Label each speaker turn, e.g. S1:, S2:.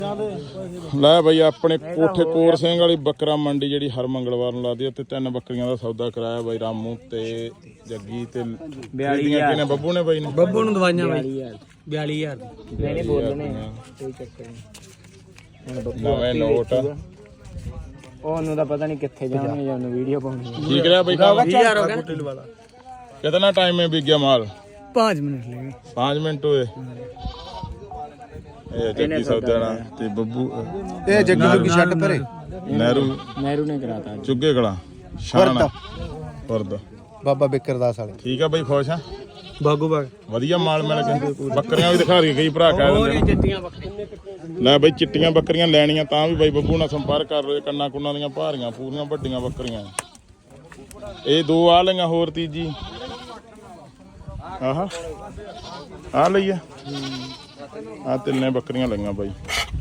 S1: ਲੈ ਬਈ ਆਪਣੇ ਕੋਠੇ ਕੋਰ ਸਿੰਘ ਵਾਲੀ ਬੱਕਰਾ ਮੰਡੀ ਜਿਹੜੀ ਹਰ ਮੰਗਲਵਾਰ ਨੂੰ ਲੱਗਦੀ ਹੈ ਤੇ 3 ਬੱਕਰੀਆਂ ਦਾ ਸੌਦਾ ਕਰਾਇਆ ਬਾਈ ਰਾਮੂ ਤੇ ਜੱਗੀ ਤੇ 42000 ਕਿਨੇ ਬੱਬੂ ਨੇ ਬਾਈ ਨੇ
S2: ਬੱਬੂ ਨੂੰ ਦਵਾਈਆਂ ਬਾਈ 42000
S3: ਨਹੀਂ ਬੋਲਣੇ ਕੋਈ ਚੱਕਰ ਨਹੀਂ।
S1: ਨਵੇਂ ਨੋਟ
S3: ਉਹਨੂੰ ਤਾਂ ਪਤਾ ਨਹੀਂ ਕਿੱਥੇ ਜਾਣਗੇ ਜਾਂ ਉਹਨੂੰ ਵੀਡੀਓ ਪਾਉਣੀ।
S1: ਠੀਕ ਰਿਹਾ ਬਾਈ ਕੰਮ
S2: 20000 ਹੋ ਗਿਆ।
S1: कितना टाइम में बिक गया माल?
S2: 5 मिनट लगे।
S1: 5 मिनट हुए। ये जग्गी सौदाना ते बब्बू
S4: ये जग्गी की शर्ट पर
S1: नेहरू
S3: ने कराता
S1: चुगे कड़ा शाना पर्दा
S4: बाबा बिकरदास वाले।
S1: ठीक है भाई खुश है
S2: ਬਾਗੂ ਬਾਗ
S1: ਵਧੀਆ ਮਾਲ ਮਿਲ ਗਿਆ ਬੱਕਰੀਆਂ ਵੀ ਦਿਖਾ ਰਹੀ ਕਈ ਭਰਾ ਕਹਿ ਦਿੰਦੇ
S2: ਚਿੱਟੀਆਂ ਬੱਕਰੀਆਂ
S1: ਲੈ ਬਈ ਚਿੱਟੀਆਂ ਬੱਕਰੀਆਂ ਲੈਣੀਆਂ ਤਾਂ ਵੀ ਬਾਈ ਬੱਬੂ ਨਾਲ ਸੰਪਰਕ ਕਰ ਲਓ ਕੰਨਾਂ ਕੁੰਨਾਂ ਦੀਆਂ ਭਾਰੀਆਂ ਪੂਰੀਆਂ ਵੱਡੀਆਂ ਬੱਕਰੀਆਂ ਇਹ ਦੋ ਆ ਲਈਆਂ ਹੋਰ ਤੀਜੀ ਆਹ ਆ ਲਈ ਆ ਤਿੰਨੇ ਬੱਕਰੀਆਂ ਲਈਆਂ ਬਾਈ